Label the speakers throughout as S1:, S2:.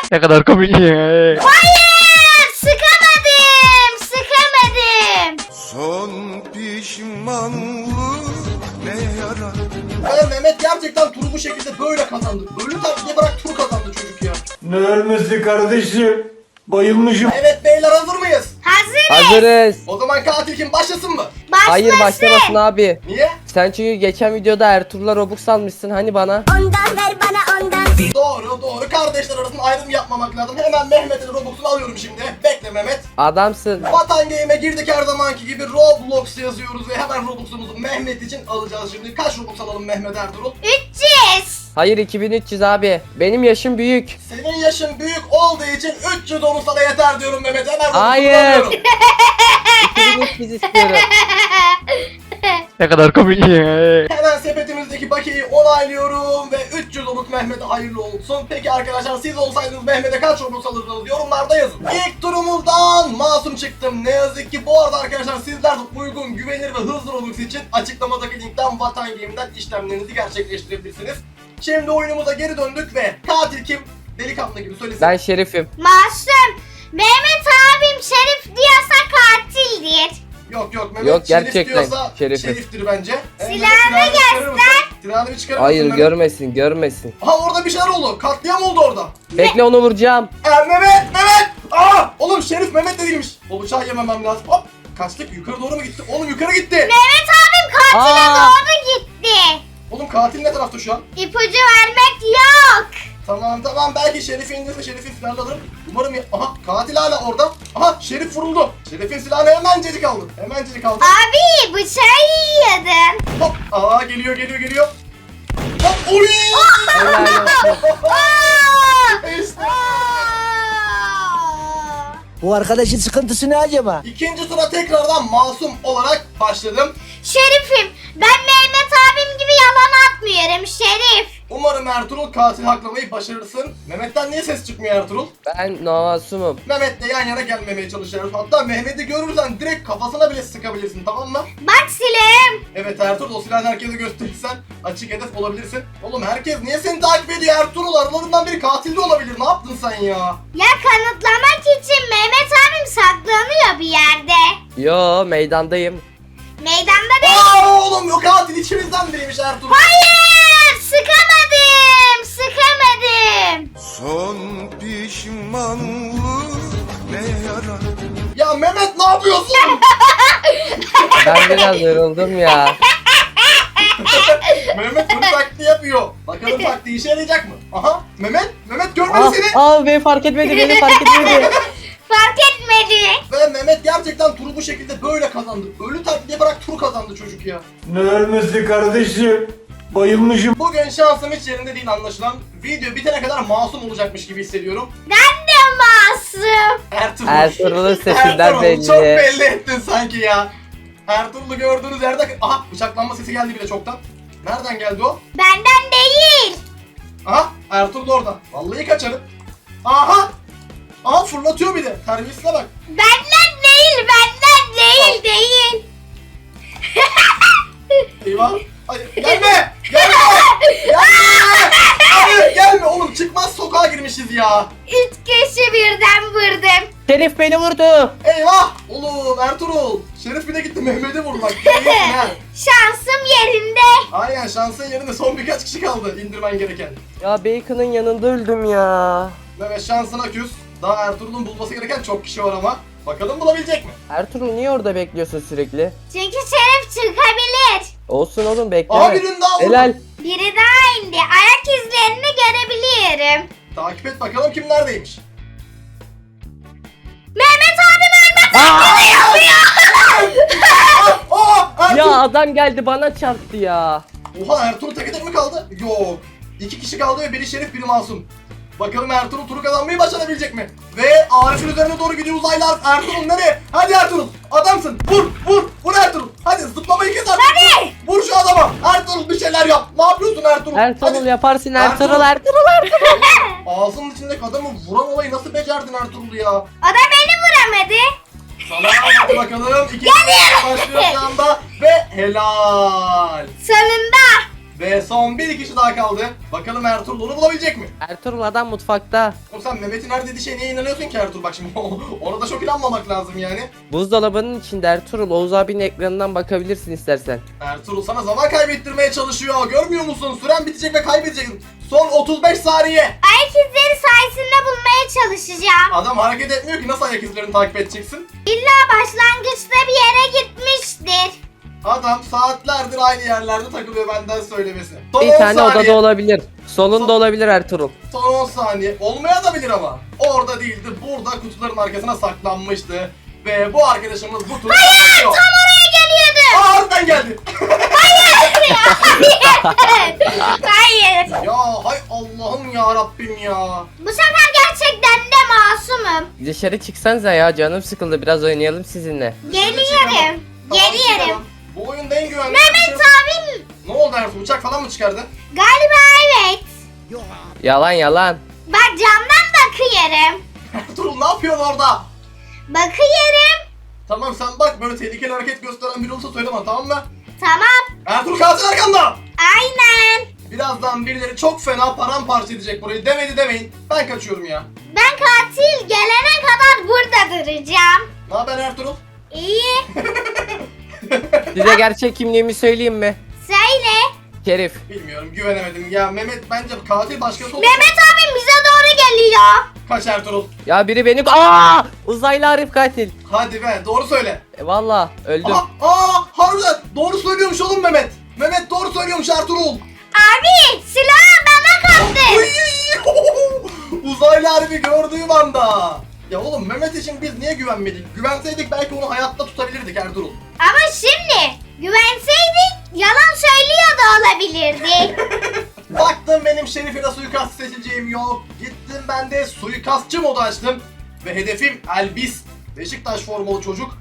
S1: Ne kadar komik.
S2: Hayır, sıkamadım, sıkamadım.
S3: Son pişmanlık ne yarar?
S4: Ve Mehmet gerçekten turu bu şekilde böyle kazandı. Ölü taklidi bırak tur kazandı çocuk ya.
S5: Ne ölmesi kardeşim? Bayılmışım.
S4: Evet beyler hazır mıyız?
S2: Hazırız.
S6: Hazırız.
S4: O zaman katil kim başlasın mı?
S2: Başlasın.
S6: Hayır başlamasın abi.
S4: Niye?
S6: Sen çünkü geçen videoda Ertuğrul'a Robux almışsın hani bana.
S2: Ondan ver bana ondan.
S4: Doğru. Kardeşler arasında ayrım yapmamak lazım. Hemen Mehmet'in Robux'unu alıyorum şimdi. Bekle Mehmet.
S6: Adamsın.
S4: Vatan Game'e girdik her zamanki gibi Roblox yazıyoruz ve hemen Robux'umuzu Mehmet için alacağız şimdi. Kaç Robux alalım Mehmet Ertuğrul?
S2: 300.
S6: Hayır 2300 abi. Benim yaşım büyük.
S4: Senin yaşın büyük olduğu için 300 onu sana yeter diyorum Mehmet. Hemen Robux'unu
S6: Hayır.
S4: alıyorum.
S6: 2300 istiyorum.
S1: Ne kadar komik.
S4: Hemen sepetimizdeki bakiyeyi onaylıyorum ve 300 Robux Mehmet'e hayırlı olsun. Peki arkadaşlar siz olsaydınız Mehmet'e kaç Robux alırdınız yorumlarda yazın. İlk turumuzdan masum çıktım. Ne yazık ki bu arada arkadaşlar sizler de uygun, güvenilir ve hızlı Robux için açıklamadaki linkten Vatan Game'den işlemlerinizi gerçekleştirebilirsiniz. Şimdi oyunumuza geri döndük ve katil kim? Delikanlı gibi söylesin.
S6: Ben Şerif'im.
S2: Masum. Mehmet abim Şerif diyorsa katildir.
S4: Yok Mehmet
S6: Yok,
S4: Şerif
S6: gerçekten
S4: diyorsa
S6: Şerif'im.
S4: Şerif'tir bence.
S2: Silahını
S4: Silahını bir çıkarır
S6: Hayır
S4: mısın Mehmet?
S6: görmesin.
S4: Aha orada bir şeyler oldu. Katliam oldu orada.
S6: Bekle onu vuracağım.
S4: Mehmet! Aa! Oğlum Şerif Mehmet de değilmiş. O bıçağı yememem lazım. Hop! Kaçtık yukarı doğru mu gitti? Oğlum yukarı gitti.
S2: Mehmet abim katile
S6: Aa.
S2: doğru gitti.
S4: Oğlum katil ne tarafta şu an?
S2: İpucu vermek yok.
S4: Tamam belki Şerif'i indirse Şerif'in silahını alırım. Umarım ya... Aha katil hala orada. Aha Şerif vuruldu. Şerif'in silahını hemencecik aldı.
S2: Abi bıçağı yiyordun.
S4: Hop! Aa geliyor. Hop! Oy!
S6: Helal olsun.
S4: İşte.
S7: Bu arkadaşın sıkıntısı ne acaba?
S4: İkinci tura tekrardan masum olarak başladım.
S2: Şerifim, ben Mehmet abim gibi yalan atmıyorum Şerif.
S4: Umarım Ertuğrul katil haklamayı başarırsın. Mehmet'ten niye ses çıkmıyor Ertuğrul?
S6: Ben masumum.
S4: Mehmet'le yan yana gelmemeye çalışıyoruz. Hatta Mehmet'i görürsen direkt kafasına bile sıkabilirsin, tamam mı?
S2: Bak silahım.
S4: Evet Ertuğrul, o silahı herkese gösterirsen açık hedef olabilirsin. Oğlum herkes niye seni takip ediyor Ertuğrul? Aralarından biri katil de olabilir. Ne yaptın sen ya?
S2: Ya kanıtlamak için Mehmet abim saklanıyor bir yerde.
S6: Yo meydandayım.
S2: Meydanda değil.
S4: Aa oğlum yok, katil içimizden biriymiş Ertuğrul.
S2: Hayır, sıkamadım.
S3: Son pişmanlık ne yarar?
S4: Ya Mehmet ne yapıyorsun?
S6: Ben biraz yoruldum ya.
S4: Mehmet bunu taktiği yapıyor. Bakalım taktiği işe yarayacak mı? Aha Mehmet görmedi seni.
S6: Beni fark etmedi.
S2: Fark etmedi.
S4: Ve Mehmet gerçekten turu bu şekilde böyle kazandı. Ölü taklidi bırak tur kazandı çocuk ya.
S5: Ne ölmesi kardeşim? Bayılmışım.
S4: Bugün şansım hiç yerinde değil anlaşılan. Video bitene kadar masum olacakmış gibi hissediyorum.
S2: Ben de masum.
S6: Ertuğrul'un sesinden
S4: Ertuğrul,
S6: belli.
S4: çok belli ettin sanki ya. Ertuğrul'u gördüğünüz yerde... Aha bıçaklanma sesi geldi bile çoktan. Nereden geldi o?
S2: Benden değil.
S4: Aha Ertuğrul orada. Vallahi kaçarım. Aha fırlatıyor bir de. Terbiyesine bak.
S2: Benden değil.
S4: Eyvah. Hayır gelme. Hayır gelme oğlum, çıkmaz sokağa girmişiz ya.
S2: 3 kişi birden vurdum.
S6: Şerif beni vurdu.
S4: Eyvah. Oğlum Ertuğrul. Şerif bir de gitti Mehmet'i vurdu bak. Görüyorsun ha.
S2: Şansım yerinde.
S4: Aynen şansın yerinde son birkaç kişi kaldı indirmen gereken.
S6: Ya Bacon'ın yanında öldüm ya.
S4: Evet şansına küs. Daha Ertuğrul'un bulması gereken çok kişi var ama. Bakalım bulabilecek mi?
S6: Ertuğrul niye orada bekliyorsun sürekli?
S2: Çünkü Şerif çıkabilir.
S6: Olsun oğlum bekleme.
S4: Aha birinin daha vurdu.
S6: Helal.
S2: Biri daha indi. Ayak izlerini görebiliyorum.
S4: Takip et bakalım kim neredeymiş.
S2: Mehmet abim ölmez.
S4: Ertuğrul.
S6: Ya adam geldi bana çarptı ya.
S4: Oha Ertuğrul tek tek mi kaldı? Yok. 2 kişi kaldı ve biri Şerif biri masum. Bakalım Ertuğrul turu kazanmayı başarabilecek mi? Ve Arif'in üzerine doğru gidiyor uzaylılar. Ertuğrul nereye? Hadi Ertuğrul. Adamsın. Vur Ertuğrul. Hadi zıplamayı kes artık.
S2: Hadi.
S4: Vur şu adama. Ertuğrul bir şeyler yap. Ne yapıyorsun Ertuğrul?
S6: Ertuğrul
S4: Hadi.
S6: yaparsın
S4: Ertuğrul.
S6: Ertuğrul.
S4: Ağzının içindeki adamı vuran olayı nasıl becerdin Ertuğrul ya?
S2: O da beni vuramadı.
S4: Tamam hadi bakalım. İkinci başlıyor şu anda. Ve helal.
S2: Sonunda.
S4: Ve son bir kişi daha kaldı. Bakalım Ertuğrul onu bulabilecek mi?
S6: Ertuğrul adam mutfakta.
S4: Oğlum sen Mehmet'in her dediği şeye niye inanıyorsun ki Ertuğrul? Bak şimdi ona da çok inanmamak lazım yani.
S6: Buzdolabının içinde Ertuğrul. Oğuz abinin ekranından bakabilirsin istersen.
S4: Ertuğrul sana zaman kaybettirmeye çalışıyor. Görmüyor musun? Süren bitecek ve kaybedeceksin. Son 35 saniye.
S2: Ayak izleri sayesinde bulmaya çalışacağım.
S4: Adam hareket etmiyor ki, nasıl ayak izlerini takip edeceksin?
S2: İlla başlangıçta bir yere gitmiştir.
S4: Adam saatlerdir aynı yerlerde takılıyor benden söylemesi. Son
S6: Bir
S4: 10
S6: tane
S4: saniye.
S6: odada olabilir. Solunda olabilir Ertuğrul.
S4: Son 10 saniye. Olmaya da bilir ama. Orada değildi. Burada kutuların arkasına saklanmıştı. Ve bu arkadaşımız bu turu kazanıyor.
S2: Tam oraya geliyordu.
S4: Aa, harbiden geldi.
S2: Hayır.
S4: Ya hay Allah'ım ya Rabbim ya.
S2: Bu sefer gerçekten de masumum.
S6: Dışarı çıksanıza ya, canım sıkıldı, biraz oynayalım sizinle.
S2: Geliyorum. Geliyorum.
S4: Bu oyunda en güvenli
S2: Mehmet
S4: şey-
S2: abim.
S4: Ne oldu Ertuğrul? Uçak falan mı çıkardı?
S2: Galiba evet.
S6: Yalan yalan.
S2: Bak camdan bakıyorum.
S4: Ertuğrul ne yapıyorsun orada?
S2: Bakıyorum.
S4: Tamam sen bak, böyle tehlikeli hareket gösteren biri olursa söyle bana, tamam mı?
S2: Tamam.
S4: Ertuğrul kalsın arkanda.
S2: Aynen.
S4: Birazdan birileri çok fena paramparça edecek burayı. Demedi demeyin. Ben kaçıyorum ya.
S2: Ben katil gelene kadar burada duracağım.
S4: Ne haber Ertuğrul?
S2: İyi.
S6: Size gerçek kimliğimi söyleyeyim mi?
S2: Söyle.
S6: Şerif.
S4: Bilmiyorum, güvenemedim. Ya Mehmet bence katil başkası olsa...
S2: Mehmet abim bize doğru geliyor.
S4: Kaç Ertuğrul.
S6: Ya biri beni... Aa! Uzaylı Arif katil.
S4: Hadi be, doğru söyle.
S6: Valla öldüm.
S4: Harbiden doğru söylüyormuş oğlum Mehmet. Mehmet doğru söylüyormuş Ertuğrul.
S2: Abi silahı bana kaptı.
S4: Uy! Uzaylı harbi gördüğüm anda. Ya oğlum Mehmet için biz niye güvenmedik? Güvenseydik belki onu hayatta tutabilirdik Ertuğrul.
S2: Ama şimdi güvenseydik yalan söylüyor da olabilirdi.
S4: Baktım benim Şerif'e suikast seçeceğim yok. Gittim ben de suikastçı modu açtım. Ve hedefim Elbis. Beşiktaş formalı çocuk.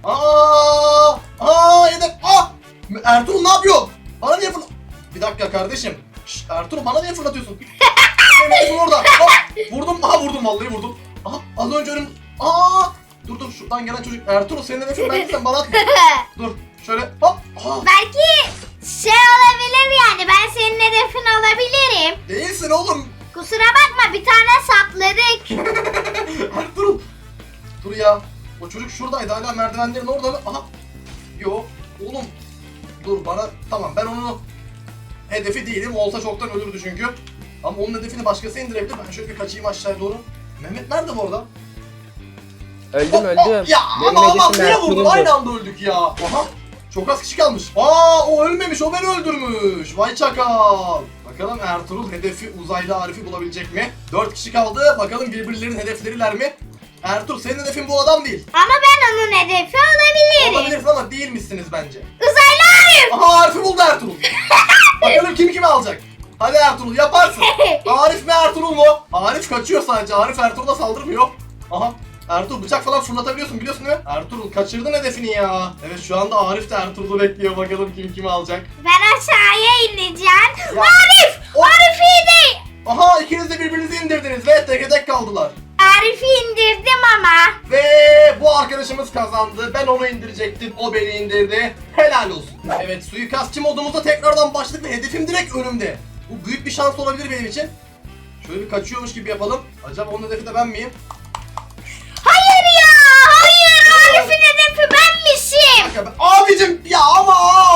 S4: Hedef. Ertuğrul ne yapıyor? Bana niye fırlat... Bir dakika kardeşim. Şşş, Ertuğrul bana niye fırlatıyorsun? Benim hedefim orada. Vurdum. Vurdum, vallahi vurdum. Az önce önüm... Dur şuradan gelen çocuk. Ertuğrul senin hedefin belki, sen bana atma. Dur şöyle hop.
S2: Belki şey olabilir yani, ben senin hedefin olabilirim.
S4: Değilsin oğlum.
S2: Kusura bakma, bir tane sapladık.
S4: Ertuğrul. Dur ya. O çocuk şuradaydı, hala merdivenlerin orada mı? Yok. Oğlum. Dur bana. Tamam, ben onun hedefi değilim. Olsa çoktan ölürdü çünkü. Ama onun hedefini başkası indirebilir. Ben şöyle bir kaçayım aşağıya doğru. Mehmet nerede bu arada?
S6: Öldüm.
S4: Ya
S6: Benim
S4: ama
S6: hedefim
S4: niye vurdun?
S6: Ertuğrul'du.
S4: Aynı anda öldük ya. Çok az kişi kalmış. O ölmemiş, o beni öldürmüş. Vay çakal. Bakalım Ertuğrul hedefi uzaylı Arif'i bulabilecek mi? 4 kişi kaldı. Bakalım birbirlerinin hedefleriler mi? Ertuğrul senin hedefin bu adam değil.
S2: Ama ben onun hedefi olabilirim.
S4: Olabilirsin ama değil misiniz bence?
S2: Uzaylı Arif.
S4: Arif'i buldu Ertuğrul. Bakalım kim kimi alacak? Hadi Ertuğrul yaparsın. Arif mi Ertuğrul mu? Arif kaçıyor sadece. Arif Ertuğrul'a saldırmıyor. Ertuğrul bıçak falan fırlatabiliyorsun, biliyorsun değil mi? Ertuğrul kaçırdın hedefini ya. Evet, şu anda Arif de Ertuğrul'u bekliyor. Bakalım kim kimi alacak.
S2: Ben aşağıya ineceğim.
S4: Ya.
S2: Arif! Arif iyi değil.
S4: İkiniz de birbirinizi indirdiniz ve tek tek kaldılar.
S2: Arif'i indirdim ama.
S4: Ve bu arkadaşımız kazandı. Ben onu indirecektim. O beni indirdi. Helal olsun. Evet, suikastçı modumuzda tekrardan başladık ve hedefim direkt önümde. Bu büyük bir şans olabilir benim için. Şöyle bir kaçıyormuş gibi yapalım. Acaba onun hedefi de ben miyim?
S2: Hayır ya! Hayır! Arif'in hedefi benmişim.
S4: Abicim ya ama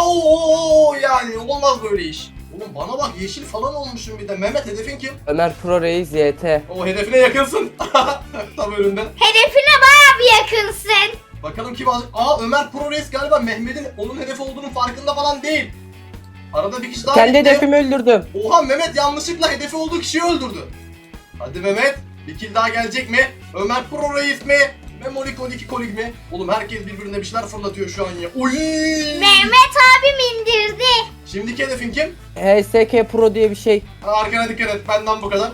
S4: yani olmaz böyle iş. Oğlum bana bak, yeşil falan olmuşum bir de. Mehmet hedefin kim?
S6: Ömer Pro Reis YT.
S4: O hedefine yakınsın. Tam önünde.
S2: Hedefine bayağı bir yakınsın.
S4: Bakalım kim alacak? Ömer Pro Reis galiba Mehmet'in onun hedefi olduğunun farkında falan değil. Arada bir kişi daha
S6: Kendi
S4: gitti.
S6: hedefimi öldürdüm.
S4: Oha, Mehmet yanlışlıkla hedefi olduğu kişiyi öldürdü. Hadi Mehmet, bir kill daha gelecek mi? Ömer Pro Reis mi? Memoli Kolik Kolik mi? Oğlum herkes birbirine bir şeyler fırlatıyor şu an ya. Oy!
S2: Mehmet abim indirdi.
S4: Şimdiki hedefin kim?
S6: HSK Pro diye bir şey.
S4: Arkana dikkat et, benden bu kadar.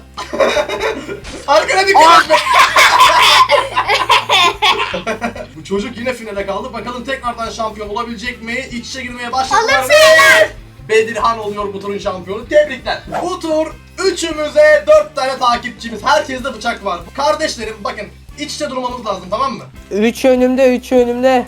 S4: Arkana dikkat et. Bu çocuk yine finale kaldı. Bakalım tekrardan şampiyon olabilecek mi? İç içe girmeye başladılar
S2: Olur
S4: ve Bedirhan oluyor bu turun şampiyonu. Tebrikler. Bu tur üçümüze 4 tane takipçimiz. Herkeste bıçak var. Kardeşlerim bakın, iç içe durmamız lazım, tamam mı?
S6: 3 önümde.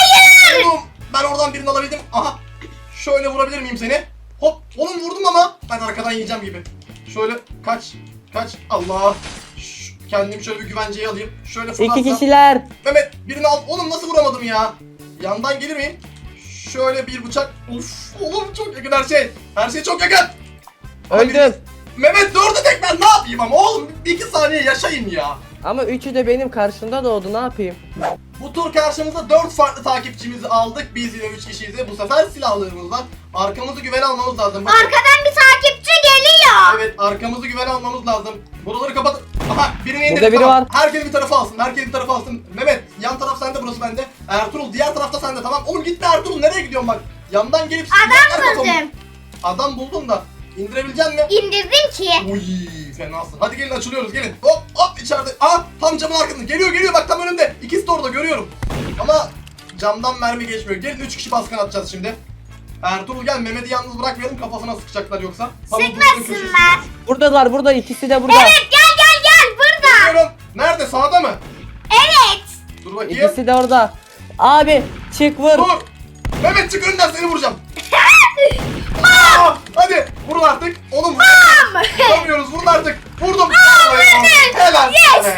S4: Oğlum ben oradan birini alabildim. Şöyle vurabilir miyim seni? Hop, oğlum vurdum ama. yiyeceğim gibi. Şöyle kaç. Allah. Kendimi şöyle bir güvenceye alayım. Şöyle fırlatsam.
S6: 2 kişiler.
S4: Mehmet birini al. Oğlum nasıl vuramadım ya? Yandan gelir miyim? Şöyle bir bıçak. Uf oğlum çok yakın her şey. Her şey çok yakın.
S6: Öldüm.
S4: Mehmet dördü tek ben ne yapayım ama oğlum 2 saniye yaşayın ya.
S6: Ama üçü de benim karşımda doğdu, ne yapayım?
S4: Bu tur karşımıza 4 farklı takipçimizi aldık. Biz yine 3 kişiyiz. Bu sefer silahlarımız var. Arkamızı güvene almamız lazım. Bakın.
S2: Arkadan bir takipçi geliyor.
S4: Evet arkamızı güvene almamız lazım. Buraları kapat. Aha birini indirdik.
S6: Burada biri
S4: tamam.
S6: var.
S4: Herkes bir tarafa alsın. Herkes bir tarafa alsın. Mehmet yan taraf sende, burası bende. Ertuğrul diğer tarafta sende, tamam. Oğlum gitme Ertuğrul, nereye gidiyorsun bak. Yandan gelip
S2: Adam buldum.
S4: Adam buldun da indirebilecek mi?
S2: İndirdim ki.
S4: Uy fenasın. Hadi gelin açılıyoruz gelin. Hop içeride. Aa tam camın arkasında. Geliyor bak tam önümde. İkisi de orada görüyorum. Ama camdan mermi geçmiyor. Gelin 3 kişi baskın atacağız şimdi. Ertuğrul gel, Mehmet'i yalnız bırakmayalım, kafasına sıkacaklar yoksa.
S2: Sıkmasınlar.
S6: Buradalar, burada, ikisi de burada.
S2: Evet gel burada.
S4: Geliyorum. Nerede, sağda mı?
S2: Evet.
S4: Dur bakayım.
S6: İkisi de orada. Abi çık vur.
S4: Dur. Mehmet çık önden, seni vuracağım. Aa, hadi vurun artık. Oğlum vuramıyoruz, vurun artık. Vurdum. Helal.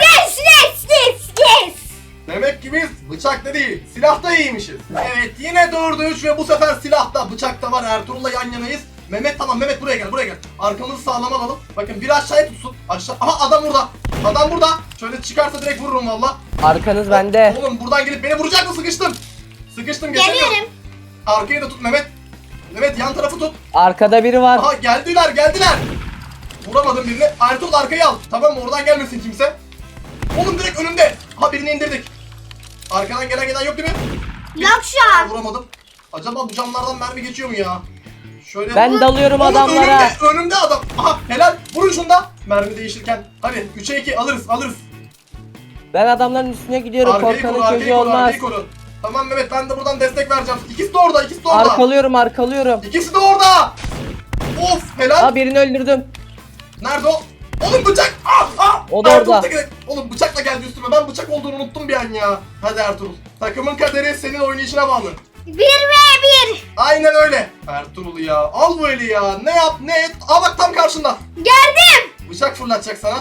S2: Yes.
S4: Demek ki biz bıçakta değil, silahta iyiymişiz. Evet yine 4'e 3 ve bu sefer silahta, bıçakta var. Ertuğrul'la yan yanayız. Mehmet tamam, Mehmet buraya gel. Arkamızı sağlam alalım. Bakın biri aşağıya tutsun. Aşağı. Aha adam burada. Şöyle çıkarsa direkt vururum valla.
S6: Arkanız bende.
S4: Oğlum buradan gelip beni vuracak mı? Sıkıştım geçemiyorum.
S2: Geliyorum.
S4: Arkayı da tut Mehmet. Mehmet yan tarafı tut.
S6: Arkada biri var.
S4: Aha geldiler. Vuramadım birini. Ertuğrul arkayı al. Tamam mı? Oradan gelmesin kimse. Oğlum direkt önümde. Ha birini indirdik. Arkadan gelen yok değil mi?
S2: Yok şu an.
S4: Vuramadım. Acaba bu camlardan mermi geçiyor mu ya? Şöyle.
S6: Ben dalıyorum
S4: Oğlum,
S6: adamlara.
S4: Önümde adam. Aha helal. Vurun şunda. Mermi değişirken. Hadi 3'e 2 alırız.
S6: Ben adamların üstüne gidiyorum. Korkanın çocuğu olmaz.
S4: Arkayı koru. Tamam Mehmet, ben de buradan destek vereceğim. İkisi de orada.
S6: Arkalıyorum.
S4: İkisi de orada. Of helal.
S6: Ha, birini öldürdüm.
S4: Nerede o? Oğlum bıçak!
S6: O da
S4: Ertuğrul
S6: orada.
S4: Tekin. Oğlum bıçakla geldi üstüme. Ben bıçak olduğunu unuttum bir an ya. Hadi Ertuğrul. Takımın kaderi senin oynayışına bağlı.
S2: 1v1.
S4: Aynen öyle. Ertuğrul ya. Al bu eli ya. Ne yap ne et. Aa bak tam karşında.
S2: Gördüm.
S4: Bıçak fırlatacak sana.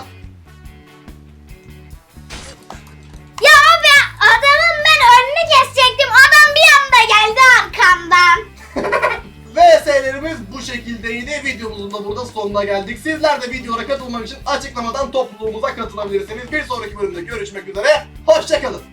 S2: Ya abi adamın ben önünü kesecektim. Adam bir anda geldi arkamdan.
S4: VS'lerimiz bu şekildeydi. Videomuzun da burada sonuna geldik. Sizler de videolara katılmak için açıklamadan topluluğumuza katılabilirsiniz. Bir sonraki bölümde görüşmek üzere. Hoşçakalın.